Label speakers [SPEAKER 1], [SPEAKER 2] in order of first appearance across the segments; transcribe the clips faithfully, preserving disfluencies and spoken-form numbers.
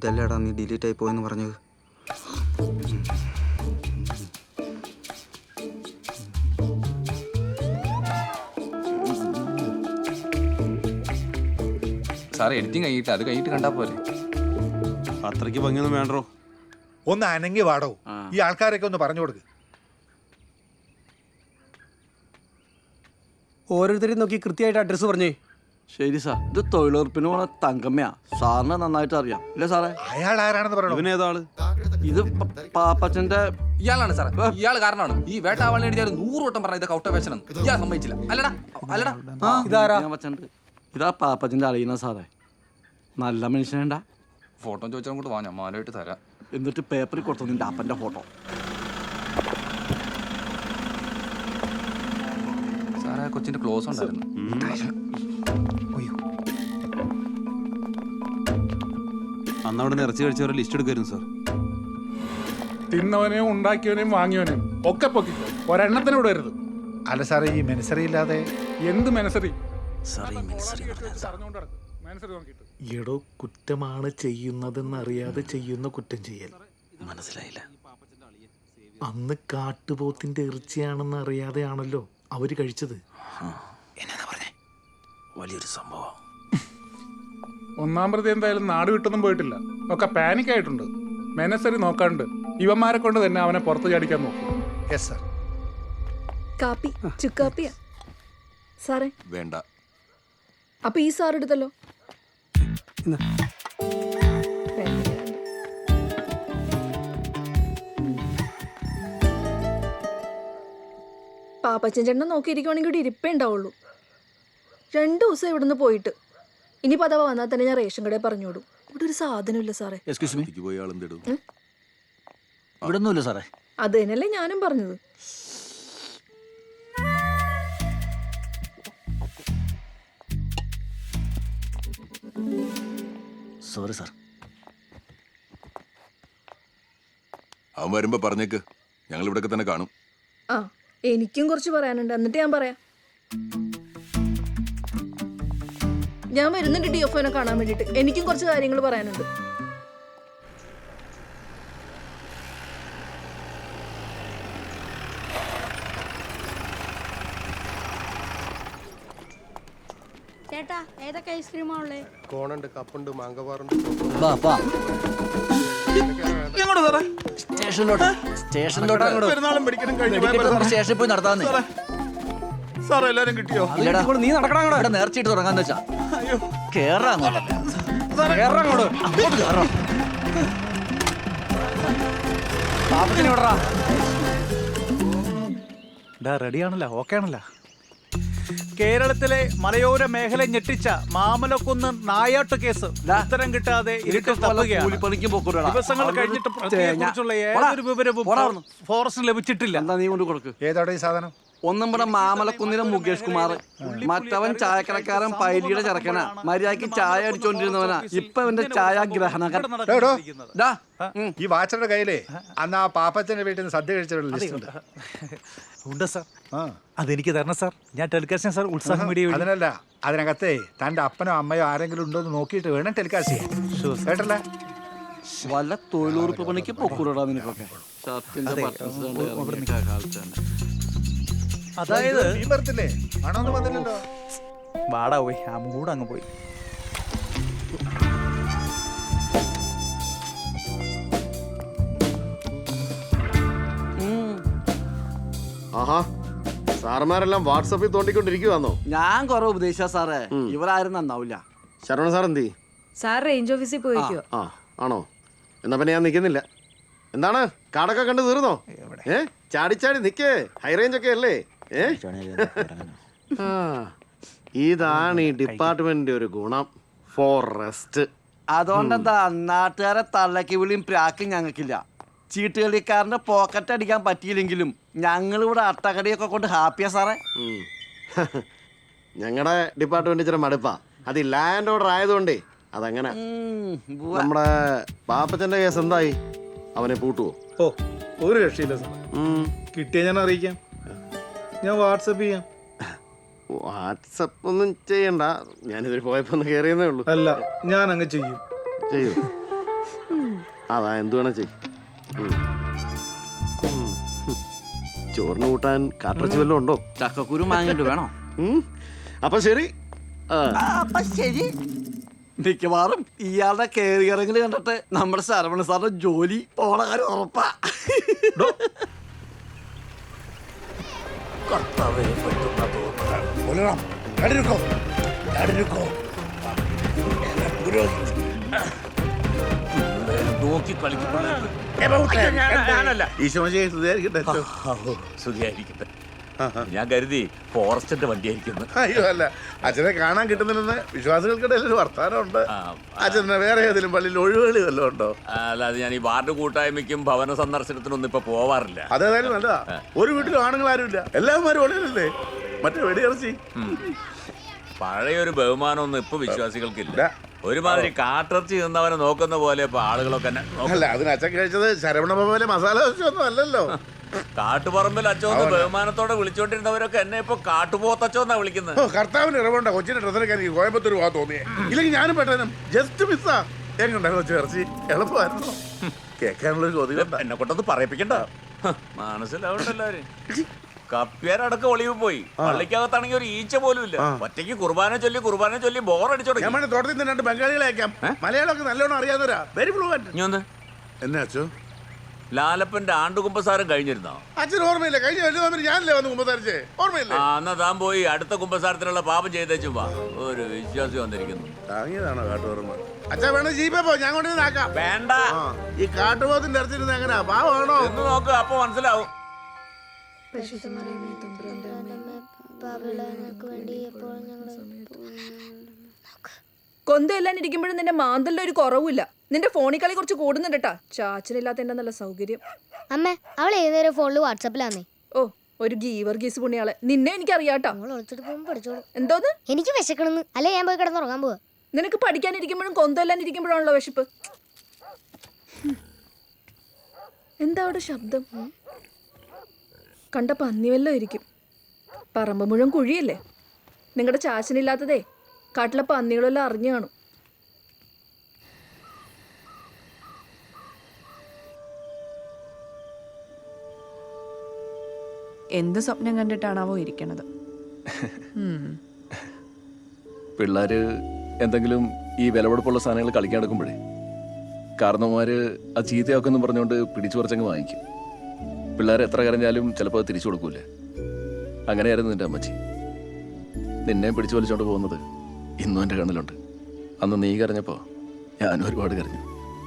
[SPEAKER 1] ഇതല്ലേടാ നീ ഡിലീറ്റ് ആയി പോയെന്ന് പറഞ്ഞത്.
[SPEAKER 2] സാറേ എഡിറ്റിംഗ് കഴിഞ്ഞിട്ട് അത് കഴിഞ്ഞിട്ട് കണ്ടാ പോലെ.
[SPEAKER 3] അത്രയ്ക്ക് ഭംഗിയൊന്നും വേണ്ടോ.
[SPEAKER 4] ഒന്ന് അനങ്ങി വാടോ. ഈ ആൾക്കാരൊക്കെ ഒന്ന് പറഞ്ഞു കൊടുക്ക്.
[SPEAKER 5] ഓരോരുത്തരെയും നോക്കി കൃത്യമായിട്ട് അഡ്രസ്സ് പറഞ്ഞേ.
[SPEAKER 6] ശരി സാർ, ഇത് തൊഴിലുറപ്പിന് പോണ തങ്കമ്മയാ. സാറിന് നന്നായിട്ട് അറിയാം അല്ലേ സാറേ?
[SPEAKER 4] അയാൾ ആരാണെന്ന് പറയണോ?
[SPEAKER 3] ഇവനേതാള്?
[SPEAKER 6] ഇത് പാപ്പച്ചന്റെ
[SPEAKER 2] ഇയാളാണ് സാറേ, ഇയാൾ കാരണമാണ് ഈ വേട്ടാവാളിനെ എഴുതിയാൽ നൂറ് വട്ടം പറഞ്ഞ ഇതൊക്കെ ഔട്ട് ഓഫ് ഫാഷൻ ആണ്. ഇയാൾ സമ്മതിച്ചില്ല. അല്ലടാ അല്ലടാ
[SPEAKER 5] ഇതാരാ?
[SPEAKER 6] ഇതാ പാപ്പച്ചന്റെ അറിയുന്ന സാറേ. നല്ല മനുഷ്യനേണ്ട.
[SPEAKER 2] ഫോട്ടോ ചോദിച്ചാൽ കൂടെ വാ, ഞാൻ മാലയിട്ട് തരാം.
[SPEAKER 6] എന്നിട്ട് പേപ്പറിൽ കൊടുത്തു നിന്റെ അപ്പന്റെ ഫോട്ടോ.
[SPEAKER 2] സാറേ കൊച്ചിന്റെ ക്ലോസ് ഉണ്ടായിരുന്നു.
[SPEAKER 3] അന്ന് അവിടെ ഇറച്ചി കഴിച്ചവരെ ലിസ്റ്റ് എടുക്കായിരുന്നു സാർ.
[SPEAKER 7] തിന്നവനെയും ഉണ്ടാക്കിയവനെയും വാങ്ങിയവനെയും ഒക്കെ പൊക്കിക്കോ, ഒരെണ്ണത്തിന് വിടരുത്.
[SPEAKER 4] അല്ല സാറേ, ഈ മെനസറി ഇല്ലാതെ
[SPEAKER 7] എന്ത് മനസ്സറി
[SPEAKER 8] എടോ, കുറ്റമാണ് ചെയ്യുന്നതെന്നറിയാതെ ചെയ്യുന്ന കുറ്റം ചെയ്യൽ.
[SPEAKER 6] മനസ്സിലായില്ല.
[SPEAKER 8] അന്ന് കാട്ടുപോത്തിന്റെ ഇറച്ചിയാണെന്ന് അറിയാതെയാണല്ലോ അവര് കഴിച്ചത്.
[SPEAKER 6] വലിയൊരു സംഭവം.
[SPEAKER 7] ഒന്നാം പ്രതി എന്തായാലും നാട് വിട്ടൊന്നും പോയിട്ടില്ല, ഒക്കെ പാനിക് ആയിട്ടുണ്ട്. മെനസറി നോക്കാണ്ട് ഇവന്മാരെ കൊണ്ട് തന്നെ അവനെ പുറത്ത് ചാടിക്കാൻ നോക്കും.
[SPEAKER 4] Yes sir.
[SPEAKER 9] കാപ്പി ചുക്കാപ്പിയാ സാറേ?
[SPEAKER 2] വേണ്ട.
[SPEAKER 9] അപ്പൊ ഈ സാർ എടുത്തല്ലോ. പാപ്പച്ചൻ ചേട്ടനെ നോക്കിയിരിക്കുവാണെങ്കിൽ ഇവിടെ ഇരിപ്പേ ഉണ്ടാവുള്ളൂ. രണ്ടു ദിവസം ഇവിടുന്ന് പോയിട്ട് ഇനി പതവ വന്നാൽ തന്നെ ഞാൻ റേഷൻ കടയിൽ പറഞ്ഞോടും. ഇവിടെ ഒരു സാധനമില്ല സാറേ.
[SPEAKER 6] ഇവിടെ ഒന്നുമില്ല സാറേ.
[SPEAKER 9] അത് തന്നെയല്ലേ ഞാനും പറഞ്ഞത്.
[SPEAKER 6] Sorry sir.
[SPEAKER 10] അവൻ വരുമ്പോ പറഞ്ഞേക്ക്, ഞങ്ങൾ ഇവിടെ തന്നെ കാണും.
[SPEAKER 9] ആ, എനിക്കും കുറച്ച് പറയാനുണ്ട്, എന്നിട്ട് ഞാൻ പറയാം. ഞാൻ വരുന്നുണ്ട് ഡി എഫ് ഒനെ കാണാൻ വേണ്ടിട്ട്. എനിക്കും കുറച്ച് കാര്യങ്ങൾ പറയാനുണ്ട്.
[SPEAKER 11] ചേട്ടാ, ഏതൊക്കെ ഐസ്ക്രീമാ ഉള്ളേ?
[SPEAKER 12] കോണുണ്ട്, കപ്പുണ്ട്, മാങ്കവാറുണ്ട്.
[SPEAKER 6] സ്റ്റേഷനിലോട്ട് സ്റ്റേഷനിലോട്ട് സ്റ്റേഷനിൽ പോയി നടത്താന്ന്.
[SPEAKER 12] സാർ എല്ലാരും കിട്ടിയോ?
[SPEAKER 6] നീ നടക്കണം. ഇവിടെ നേർച്ചയിട്ട് തുടങ്ങാന്ന് വെച്ചാ കേറാ അങ്ങോട്ട്.
[SPEAKER 5] റെഡിയാണല്ലോ, ഓക്കെ ആണല്ലോ. കേരളത്തിലെ മലയോര മേഖല ഞെട്ടിച്ച മാമലക്കുന്ന് നായാട്ട് കേസ് ഉത്തരം കിട്ടാതെ ഇരുട്ടിൽ തപ്പുകയാണ്. ദിവസങ്ങൾ കഴിഞ്ഞിട്ട് പ്രതിയെക്കുറിച്ചുള്ള ഏതൊരു വിവരവും ഫോറസ്റ്റ് ലഭിച്ചിട്ടില്ല.
[SPEAKER 6] എന്താ നീ കൊണ്ട് കൊടുക്ക്.
[SPEAKER 4] ഏതോടെ ഈ സാധനം?
[SPEAKER 6] ഒന്നും ഇവിടെ മാമലക്കുന്നിലെ മുകേഷ് കുമാർ, മറ്റവൻ ചായക്കടക്കാരൻ പൈലിയുടെ ചെറുക്കനാ. മര്യാദക്ക് ചായ അടിച്ചോണ്ടിരുന്നവനാ. ഇപ്പൊ അവന്റെ ഛായാഗ്രഹണകൻ.
[SPEAKER 4] ഈ വാച്ചറുടെ കയ്യിലേ അന്ന് ആ പാപ്പച്ചന്റെ വീട്ടിൽ നിന്ന് സദ്യ കഴിച്ചിട്ടുള്ള ലിസ്റ്റ് ഉണ്ട്.
[SPEAKER 5] ഉണ്ട് സാർ. അതെനിക്ക് തരണം സാർ. ഞാൻ ടെലികാസ്റ്റ് സാർ ഉത്സാഹം മീഡിയ.
[SPEAKER 4] അതിനല്ല, അതിനകത്തേ തന്റെ അപ്പനോ അമ്മയോ ആരെങ്കിലും ഉണ്ടോ എന്ന് നോക്കിയിട്ട് വേണം ടെലികാസ്റ്റ് ചെയ്യാൻ. കേട്ടല്ലേ?
[SPEAKER 6] വല്ല തൊഴിലുറപ്പ് പണിക്ക് പൊക്കൂടാ നിനക്കൊക്കെ.
[SPEAKER 5] അതായത്
[SPEAKER 4] നീ പറഞ്ഞില്ലേ മണമൊന്നും വന്നില്ലല്ലോ.
[SPEAKER 5] വാടാ പോയി, ആ മൂട് അങ്ങ് പോയി.
[SPEAKER 12] ആഹാ, സാറന്മാരെല്ലാം വാട്സാപ്പിൽ തോണ്ടിക്കൊണ്ടിരിക്കുവാന്നോ?
[SPEAKER 6] ഞാൻ കൊറേ ഉപദേശിച്ച സാറേ, ഇവരാരും നന്നാവില്ല.
[SPEAKER 12] ശരവണ സാർ എന്തി?
[SPEAKER 9] സാർ റേഞ്ച് ഓഫീസിൽ പോയിക്കോ.
[SPEAKER 12] ആ ആണോ? എന്നാ പിന്നെ ഞാൻ നിൽക്കുന്നില്ല. എന്താണ് കാടൊക്കെ കണ്ട് തീർന്നോ? ഏ ചാടിച്ചാടി നിക്കേ, ഹൈ റേഞ്ച് ഒക്കെ അല്ലേ? ഏ ഇതാണ് ഈ ഡിപ്പാർട്ട്മെന്റിന്റെ ഒരു ഗുണം. ഫോറസ്റ്റ്.
[SPEAKER 6] അതുകൊണ്ടെന്താ നാട്ടുകാരെ തള്ളക്കി വിളിയും പ്രാക്കും ഞങ്ങൾക്കില്ല. ചീട്ടുകളിക്കാരന്റെ പോക്കറ്റ് അടിക്കാൻ പറ്റിയില്ലെങ്കിലും ഞങ്ങളിവിടെ അട്ടകടിയൊക്കെ കൊണ്ട് ഹാപ്പിയാ സാറേ.
[SPEAKER 12] ഞങ്ങളുടെ ഡിപ്പാർട്ട്മെന്റ് ഇച്ചിരി മടുപ്പാ. അത് ലാൻഡ് ഓർഡർ ആയതുകൊണ്ടേ അതങ്ങനെ. നമ്മുടെ പാപ്പച്ചന്റെ കേസ് എന്തായി? അവനെ പൂട്ടുവോ?
[SPEAKER 8] ഓ, ഒരു രക്ഷയില്ല സാർ. കിട്ടിയ ഞാൻ അറിയിക്കാം. ഞാൻ വാട്സപ്പ് ചെയ്യാം.
[SPEAKER 12] വാട്സപ്പ് ഒന്നും ചെയ്യണ്ട, ഞാനിതിൽ പോയപ്പോ ഒന്ന് കയറിയെന്നേ ഉള്ളൂ.
[SPEAKER 8] അല്ല, ഞാൻ അങ്ങ് ചെയ്യും.
[SPEAKER 12] ചെയ്യൂ. അതാ എന്ത് വേണം ചെയ് ഉം. ഉം. ചോറിന് കൂട്ടാൻ കാട്ടിറച്ചി വല്ലതും ഉണ്ടോ?
[SPEAKER 6] ചക്കക്കുരു വാങ്ങിട്ട് വേണോ?
[SPEAKER 12] ഉം. അപ്പൊ ശരി ആ.
[SPEAKER 6] ആ, അപ്പൊ ശരി. മിക്കവാറും ഇയാളുടെ കയറി ഇറങ്ങൽ കണ്ടിട്ട് നമ്മുടെ ശരവണ സാറിന്റെ ജോലി പോണ കാര്യം ഉറപ്പാ.
[SPEAKER 2] നോക്കി സുഖിയായിരിക്കട്ടെ. ഞാൻ കരുതി ഫോറസ്റ്റിന്റെ വണ്ടിയായിരിക്കുന്നു.
[SPEAKER 4] അയ്യോ അല്ല, അച്ഛനെ കാണാൻ കിട്ടുന്നില്ലെന്ന് വിശ്വാസികൾക്കിടയിൽ ഒരു വർത്താനമുണ്ട്. അച്ഛനെ വേറെ ഏതെങ്കിലും പള്ളിയിൽ ഒഴിവുകളി വല്ലതും ഉണ്ടോ?
[SPEAKER 2] അല്ലാതെ ഞാൻ ഈ വാർഡ് കൂട്ടായ്മയ്ക്കും ഭവന സന്ദർശനത്തിനൊന്നും ഇപ്പൊ പോവാറില്ല.
[SPEAKER 4] അതേതായാലും നല്ലതാ. ഒരു വീട്ടിലും ആണുങ്ങൾ ആരുമില്ല, എല്ലാവരും ഒളിയല്ലേ. മറ്റേ വെടിയിറച്ചി
[SPEAKER 2] പഴയൊരു ബഹുമാനമൊന്നും ഇപ്പൊ വിശ്വാസികൾക്കില്ല. ഒരുമാതിരി കാട്ടിറച്ചി നിന്നവനെ നോക്കുന്ന പോലെ ഇപ്പൊ ആളുകളൊക്കെ എന്നെ നോക്കും.
[SPEAKER 4] അല്ല, അതിന് അച്ഛൻ കഴിച്ചത് ശരവണ ഭവനിലെ മസാല ദോശയൊന്നും അല്ലല്ലോ.
[SPEAKER 2] കാട്ടുപറമ്പിൽ അച്ചോന്ന് ബഹുമാനത്തോടെ വിളിച്ചോണ്ടിരുന്നവരൊക്കെ എന്നെ ഇപ്പൊ കാട്ടുപോത്തച്ചോന്നാ വിളിക്കുന്നത്.
[SPEAKER 4] ഓ, കർത്താവിന് ഇറവുണ്ട കൊച്ചിന്റെ ഡ്രസ്സൊക്കെ എനിക്ക് കോയമ്പത്തൂർ പോകാൻ തോന്നിയേ. ഇല്ലെങ്കിൽ ഞാനും പെട്ടെന്ന് ജസ്റ്റ് മിസ്സാ. എങ്ങുണ്ടായിരുന്നു കൊച്ചു ഇറച്ചി? എളുപ്പമായിരുന്നു കേൾക്കാനുള്ളൊരു ചോദ്യം.
[SPEAKER 2] എന്നെ കൊണ്ടൊന്ന് പറയിപ്പിക്കണ്ട. മനസ്സിലാവണ്ടല്ലോ. കപ്പ്യാരടക്കം ഒളിവ് പോയി. പള്ളിക്കകത്താണെങ്കിൽ ഒരു ഈച്ച പോലും ഇല്ല. ഒറ്റയ്ക്ക് കുർബാന ചൊല്ലി കുർബാന ചൊല്ലി ബോറടിച്ചു തുടങ്ങി.
[SPEAKER 4] ഞാൻ തോട്ടത്തിൽ നിന്ന് രണ്ട് ബംഗാളികളെ അയക്കാം. മലയാളമൊക്കെ നല്ലോണം അറിയാവുന്നവരാ. Very fluent.
[SPEAKER 2] ഇനി ഒന്ന്
[SPEAKER 4] എന്നാ അച്ഛോ?
[SPEAKER 2] ലാലപ്പന്റെ ആണ്ടുകുമ്പസാരം കഴിഞ്ഞിരുന്നോ?
[SPEAKER 4] അച്ഛൻ ഓർമ്മയില്ല? കഴിഞ്ഞ വലിയ തമ്മിൽ ഞാനല്ലേ വന്ന് കുമ്പസാരിച്ചേ, ഓർമ്മയില്ലേ?
[SPEAKER 2] ആ, എന്നാ താൻ പോയി അടുത്ത കുമ്പസാരത്തിനുള്ള പാപം ചെയ്തേച്ചു വാ. ഒരു വിശ്വാസി വന്നിരിക്കുന്നു.
[SPEAKER 4] താങ്ങിയതാണോ കാട്ടുപോർമ്മ? അച്ഛാ വേണം ജീപ്പേ പോ, ഞാൻ കൊണ്ടുവന്ന് ആക്കാം.
[SPEAKER 2] വേണ്ട,
[SPEAKER 4] ഈ കാട്ടുപോത്തിന്റെ ഇറച്ചിരുന്ന് എങ്ങനെയാ? പാവാണോ
[SPEAKER 2] എന്ന് നോക്ക്, അപ്പൊ മനസ്സിലാവും.
[SPEAKER 9] കൊന്തയെല്ലാം ഇരിക്കുമ്പോഴും നിന്റെ മാന്തലിന്റെ ഒരു കുറവില്ല. നിന്റെ ഫോണിൽ കളി കുറച്ച് കൂടുന്നുണ്ട് കേട്ടാ. ചാച്ചനില്ലാത്തതിന്റെ നല്ല സൗകര്യം.
[SPEAKER 11] അമ്മ അവൾ ഏതൊരു ഫോണില് വാട്സാപ്പിലാന്നേ.
[SPEAKER 9] ഓ, ഒരു ഗീവർ ഗീസ് പുണ്യാളെ. നിന്നെ എനിക്ക് അറിയാട്ടോ.
[SPEAKER 11] പഠിച്ചോളൂ.
[SPEAKER 9] എന്തോന്ന്?
[SPEAKER 11] എനിക്ക് വിശക്കണെന്ന്. അല്ലെ ഞാൻ പോയി കിടന്നുറങ്ങാൻ പോവാ.
[SPEAKER 9] നിനക്ക് പഠിക്കാനിരിക്കുമ്പോഴും കൊന്തയെല്ലാം ഇരിക്കുമ്പോഴാണല്ലോ വിശപ്പ്. എന്താ അവിടെ ശബ്ദം? കണ്ട പന്നി വല്ലോ ഇരിക്കും. പറമ്പ് മുഴുവൻ കുഴിയല്ലേ. നിങ്ങളുടെ ചാച്ചനില്ലാത്തതേ കാട്ടിലെ പന്നികളെല്ലാം അറിഞ്ഞു കാണും.
[SPEAKER 13] എന്ത് സ്വപ്നം കണ്ടിട്ടാണാവോ ഇരിക്കണത്?
[SPEAKER 3] പിള്ളേർ എന്തെങ്കിലും ഈ വിലപിടിപ്പുള്ള സാധനങ്ങൾ കളിക്കാൻ എടുക്കുമ്പോഴേ കാരണവന്മാർ അത് ചീത്തയാക്കുമെന്ന് പറഞ്ഞുകൊണ്ട് പിടിച്ചു പറിച്ചങ്ങ് വാങ്ങിക്കും. പിള്ളേർ എത്ര കരഞ്ഞാലും ചിലപ്പോൾ അത് തിരിച്ചു കൊടുക്കൂലേ. അങ്ങനെയായിരുന്നു നിൻ്റെ അമ്മച്ചി. നിന്നെ പിടിച്ചു വലിച്ചുകൊണ്ട് പോകുന്നത് ഇന്നും എൻ്റെ കണ്ണിലുണ്ട്. അന്ന് നീ കരഞ്ഞപ്പോൾ ഞാനും ഒരുപാട് കരഞ്ഞു.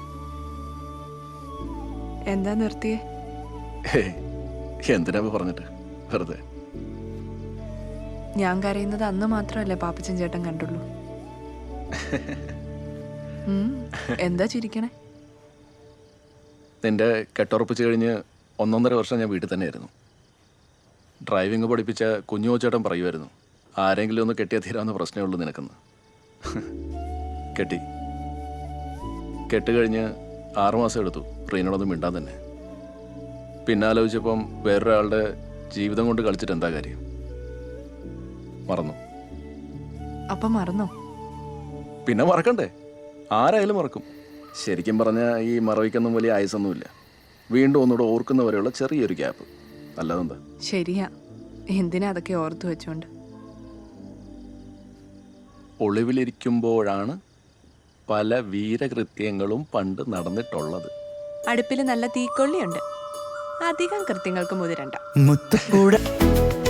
[SPEAKER 13] എന്താ നിർത്തിയേ?
[SPEAKER 3] എന്തിനാ പറഞ്ഞിട്ട് വെറുതെ.
[SPEAKER 13] ഞാൻ കരയുന്നത് അന്ന് മാത്രമല്ലേ പാപ്പച്ചൻ ചേട്ടൻ കണ്ടുള്ളൂ. എന്താ ചിരിക്കണേ?
[SPEAKER 3] നിന്റെ കെട്ടുറപ്പിച്ച് കഴിഞ്ഞ് ഒന്നൊന്നര വർഷം ഞാൻ വീട്ടിൽ തന്നെയായിരുന്നു. ഡ്രൈവിംഗ് പഠിപ്പിച്ച കുഞ്ഞു ചേട്ടൻ പറയുമായിരുന്നു, ആരെങ്കിലും ഒന്ന് കെട്ടിയാൽ തീരാവുന്ന പ്രശ്നമേ ഉള്ളൂ നിനക്കെന്ന്. കെട്ടി കെട്ട് കഴിഞ്ഞ് ആറുമാസം എടുത്തു ട്രെയിനോടൊന്നും മിണ്ടാൻ തന്നെ. പിന്നെ ആലോചിച്ചപ്പം വേറൊരാളുടെ ജീവിതം കൊണ്ട് കളിച്ചിട്ട് എന്താ കാര്യം? മറന്നു.
[SPEAKER 13] അപ്പം മറന്നോ?
[SPEAKER 3] പിന്നെ മറക്കണ്ടേ? ആരായാലും മറക്കും. ശരിക്കും പറഞ്ഞാൽ ഈ മറവിക്കൊന്നും വലിയ ആയുസൊന്നുമില്ല. വീണ്ടും ഒന്നുകൂടെ ഓർക്കുന്നവരെയുള്ള ചെറിയൊരു ഗ്യാപ്പ്, അല്ലാതെന്താ?
[SPEAKER 13] ശരിയാ. എന്തിനാ അതൊക്കെ ഓർത്തു വെച്ചോണ്ട്?
[SPEAKER 3] ഒളിവിലിരിക്കുമ്പോഴാണ് പല വീരകൃത്യങ്ങളും പണ്ട് നടന്നിട്ടുള്ളത്.
[SPEAKER 13] അടുപ്പിൽ നല്ല തീക്കൊള്ളിയുണ്ട്. അധികം കൃത്യങ്ങൾക്ക് മുതിരണ്ട.